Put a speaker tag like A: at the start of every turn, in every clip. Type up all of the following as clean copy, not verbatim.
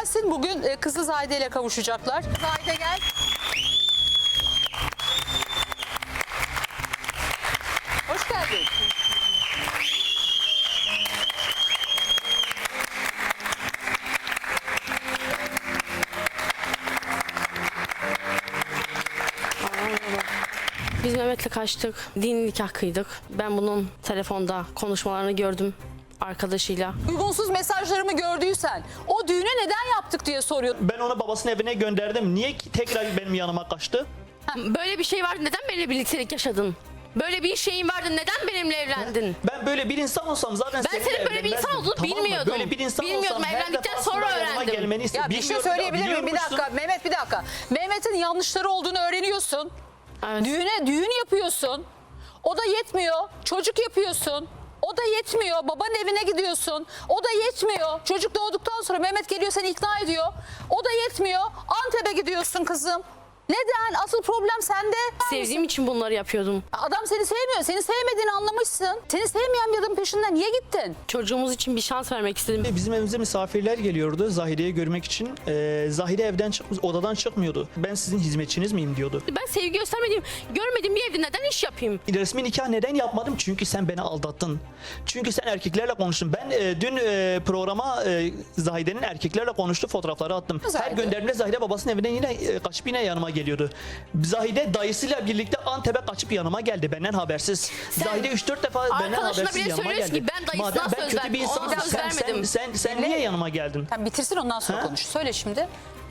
A: gelsin. Bugün kızı Zahide ile kavuşacaklar. Zahide gel. Hoş geldin.
B: Biz Mehmet'le kaçtık. Dini nikah kıydık. Ben bunun telefonda konuşmalarını gördüm arkadaşıyla.
A: Uygunsuz mesajlarımı gördüysen o düğüne neden yaptık diye soruyor.
C: Ben onu babasının evine gönderdim. Niye ki tekrar benim yanıma kaçtı?
B: Böyle bir şey vardı. Neden benimle birliktelik yaşadın? Böyle bir şeyin vardı. Neden benimle evlendin?
C: Ben böyle bir insan olsam zaten
B: Ben senin böyle bir insan olduğunu bilmiyordum.
C: Böyle bir insan
B: Bilmiyordum,
C: olsam her
B: evlendikten
C: defasında
B: sonra
C: yanıma
B: öğrendim.
C: gelmeni
A: Ya bir şey söyleyebilir miyim? Bir dakika Mehmet, bir dakika. Mehmet'in yanlışları olduğunu öğreniyorsun.
B: Evet.
A: Düğün yapıyorsun. O da yetmiyor. Çocuk yapıyorsun. O da yetmiyor. Babanın evine gidiyorsun. O da yetmiyor. Çocuk doğduktan sonra Mehmet geliyor seni ikna ediyor. O da yetmiyor. Antep'e gidiyorsun kızım. Neden? Asıl problem sende.
B: Sevdiğim için bunları yapıyordum.
A: Adam seni sevmiyor. Seni sevmediğini anlamışsın. Seni sevmeyen bir adamın peşinden niye gittin?
B: Çocuğumuz için bir şans vermek istedim.
C: Bizim evimize misafirler geliyordu Zahide'yi görmek için. Zahide evden odadan çıkmıyordu. Ben sizin hizmetçiniz miyim diyordu.
B: Ben sevgi görmediğim bir evde neden iş yapayım?
C: Resmi nikah neden yapmadım? Çünkü sen beni aldattın. Çünkü sen erkeklerle konuştun. Ben dün programa Zahide'nin erkeklerle konuştuğu fotoğrafları attım.
A: Güzeldi.
C: Her gönderdiğimde Zahide babasının evine yine kaçıp yine yanıma geliyordu. Zahide dayısıyla birlikte Antep'e kaçıp yanıma geldi benden habersiz. Zahide 3-4 defa benden
B: arkadaşına
C: habersiz
B: bile
C: yanıma
B: söylüyorsun
C: geldi.
B: ki ben dayısına
C: Madem ben
B: söz
C: kötü
B: verdim,
C: bir insanım,
B: ona söz vermedim.
C: sen niye yanıma geldin?
A: Sen bitirsin ondan sonra
C: Ha?
A: konuş. Söyle şimdi.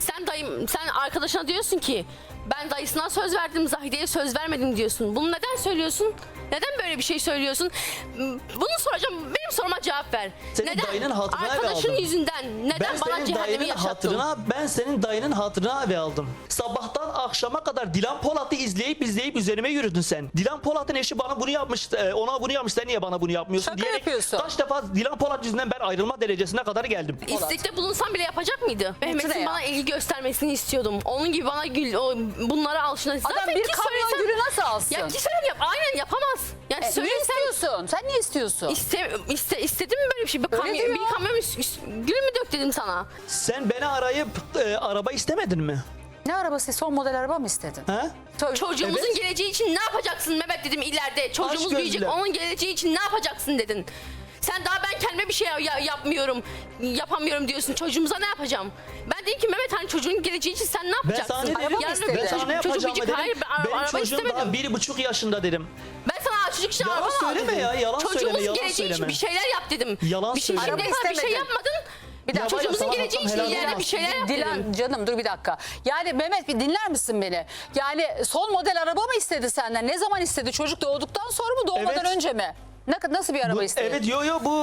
B: Sen arkadaşına diyorsun ki ben dayısına söz verdim, Zahide'ye söz vermedim diyorsun. Bunu neden söylüyorsun? Neden böyle bir şey söylüyorsun? Bunu soracağım. Benim soruma cevap ver.
C: Senin
B: neden?
C: dayının hatırına eve
B: Arkadaşın
C: aldım.
B: yüzünden neden bana cehennemi yaşattın?
C: Ben senin dayının hatırına eve aldım. Sabahtan akşama kadar Dilan Polat'ı izleyip üzerime yürüdün sen. Dilan Polat'ın eşi bana bunu yapmış, ona bunu yapmış, sen niye bana bunu yapmıyorsun
A: Şaka
C: diyerek
A: yapıyorsun.
C: kaç defa Dilan Polat yüzünden ben ayrılma derecesine kadar geldim.
B: İstekte bulunsam bile yapacak mıydı? Mehmet'in
A: ya.
B: bana ilgi göstermesini istiyordum. Onun gibi bana bunlara alışına.
A: Adam bir kamyon gülü nasıl alsın?
B: Ya ki sen yap. Aynen yapamaz. Yani
A: Niye
B: söylesen
A: istiyorsun? Sen niye istiyorsun?
B: istedim mi böyle bir şey? Bir
A: Öyle
B: kamyon,
A: diyor.
B: bir kamyon gül mü dök dedim sana?
C: Sen beni arayıp araba istemedin mi?
A: Ne arabası? Son model araba mı istedin?
C: Ha?
B: Çocuğumuzun
C: Evet.
B: geleceği için ne yapacaksın Mehmet dedim ileride. Çocuğumuz
C: Aşk
B: büyüyecek,
C: gözlü.
B: onun geleceği için ne yapacaksın dedin. Sen daha ben kendime bir şey yapamıyorum diyorsun. Çocuğumuza ne yapacağım? Ben dedim ki Mehmet hani çocuğun geleceği için sen ne yapacaksın?
C: sana ne
A: Araba mı istedin?
C: Ben sana ne
B: Çocuk
C: yapacağımı
B: büyüyecek.
C: dedim.
B: Hayır ben
C: Benim
B: araba
C: çocuğum
B: istemedim.
C: daha 1,5 yaşında dedim.
B: Ben sana çocuk için
C: Yalan
B: araba mı
C: söyleme
B: aldım?
C: ya, yalan
B: Çocuğumuzun
C: söyleme, yalan
B: geleceği için
C: söyleme.
B: bir şeyler yap dedim.
C: Yalan
B: bir şey,
C: söyleme.
B: şimdiye
A: Araba
B: kadar bir şey
A: istemedin.
B: yapmadın.
A: Bir dakika.
B: Çocuğumuzun
C: Sana
B: geleceği için
C: helal
B: ileride
C: olsun.
B: bir şeyler yap dedim.
A: Dilan canım dur bir dakika. Yani Mehmet bir dinler misin beni? Yani son model araba mı istedi senden? Ne zaman istedi? Çocuk doğduktan sonra mı doğmadan
C: Evet.
A: önce mi? Nasıl bir araba istedi?
C: Evet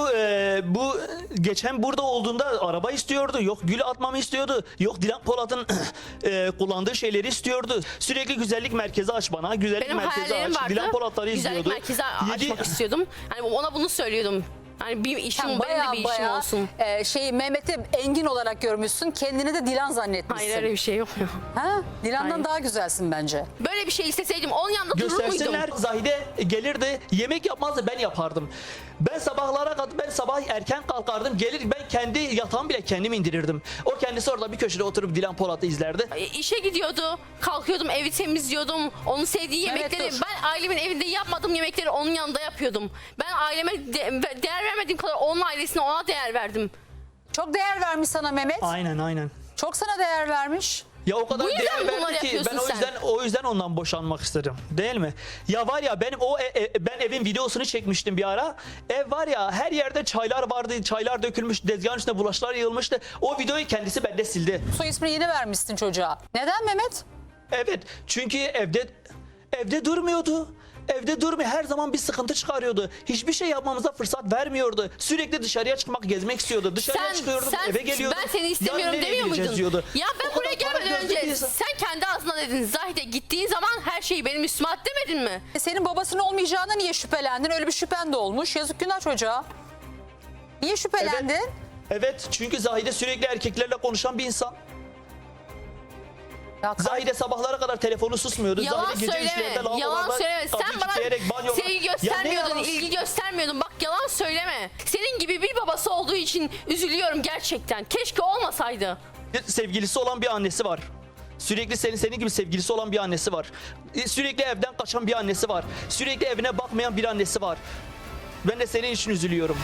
C: bu geçen burada olduğunda araba istiyordu. Yok gül atmamı istiyordu. Yok Dilan Polat'ın kullandığı şeyleri istiyordu. Sürekli güzellik merkezi aç bana. Güzellik
B: Benim
C: merkezi
B: hayallerim
C: aç.
B: vardı.
C: Dilan Polat'ları
B: Güzellik
C: izliyordu.
B: merkezi açmak istiyordum. Hani ona bunu söylüyordum. Hani bir işim,
A: Sen
B: benim de bir işim olsun.
A: Mehmet'i Engin olarak görmüşsün. Kendini de Dilan zannetmişsin.
B: Hayır öyle bir şey yok ya.
A: Ha? Dilan'dan
B: Hayır.
A: daha güzelsin bence.
B: Böyle bir şey isteseydim onun yanında durur muydum?
C: Göstersinler. Zahide gelirdi. Yemek yapmazdı, ben yapardım. Ben sabah erken kalkardım. Gelir ben kendi yatağımı bile kendim indirirdim. O kendisi orada bir köşede oturup Dilan Polat'ı izlerdi.
B: İşe gidiyordu. Kalkıyordum, evi temizliyordum. Onun sevdiği
A: Mehmet,
B: yemekleri
A: dur.
B: ben ailemin evinde yapmadığım yemekleri onun yanında yapıyordum. Ben aileme değer vermediğim kadar onun ailesine ona değer verdim.
A: Çok değer vermiş sana Mehmet.
C: Aynen.
A: Çok sana değer vermiş.
C: Ya o kadar
B: Bu yüzden
C: değer
B: mi bunları
C: verdi ki ben
B: yapıyorsun sen?
C: o yüzden ondan boşanmak istedim. Değil mi? Ya var ya benim ben evin videosunu çekmiştim bir ara. Ev var ya her yerde çaylar vardı. Çaylar dökülmüş, tezgahın üstüne bulaşıklar yığılmıştı. O videoyu kendisi bende sildi.
A: Soy ismini yeni vermişsin çocuğa. Neden Mehmet?
C: Evet. Çünkü evde durmuyordu. Evde durmuyor. Her zaman bir sıkıntı çıkarıyordu. Hiçbir şey yapmamıza fırsat vermiyordu. Sürekli dışarıya çıkmak, gezmek istiyordu. Dışarıya çıkıyordum, eve geliyordum.
B: Ben seni istemiyorum
C: Yarın nereye
B: demiyor
C: gideceğiz
B: muydun?
C: diyordu.
B: Ya ben
C: O
B: buraya
C: kadar para
B: gelmeden
C: gözlü bir
B: önce
C: insan.
B: sen kendi ağzına dedin. Zahide gittiğin zaman her şeyi benim üstüme at demedin mi?
A: Senin babasının olmayacağına niye şüphelendin? Öyle bir şüphen de olmuş. Yazık günah çocuğa. Niye şüphelendin?
C: Evet, çünkü Zahide sürekli erkeklerle konuşan bir insan.
A: Ya
C: Zahide sabahlara kadar telefonu susmuyordu.
B: Yalan
C: Zahide gece
B: söyleme.
C: üçlerde
B: Yalan
C: lavabolarda
B: söyleme.
C: kapıyı
B: Sen bana
C: kilitleyerek banyoda-
B: sevgi
C: Ya ne
B: göstermiyordun,
C: yalan-
B: ilgi göstermiyordun. Bak yalan söyleme. Senin gibi bir babası olduğu için üzülüyorum gerçekten. Keşke olmasaydı.
C: sevgilisi olan bir annesi var. Sürekli senin gibi sevgilisi olan bir annesi var. Sürekli evden kaçan bir annesi var. Sürekli evine bakmayan bir annesi var. Ben de senin için üzülüyorum.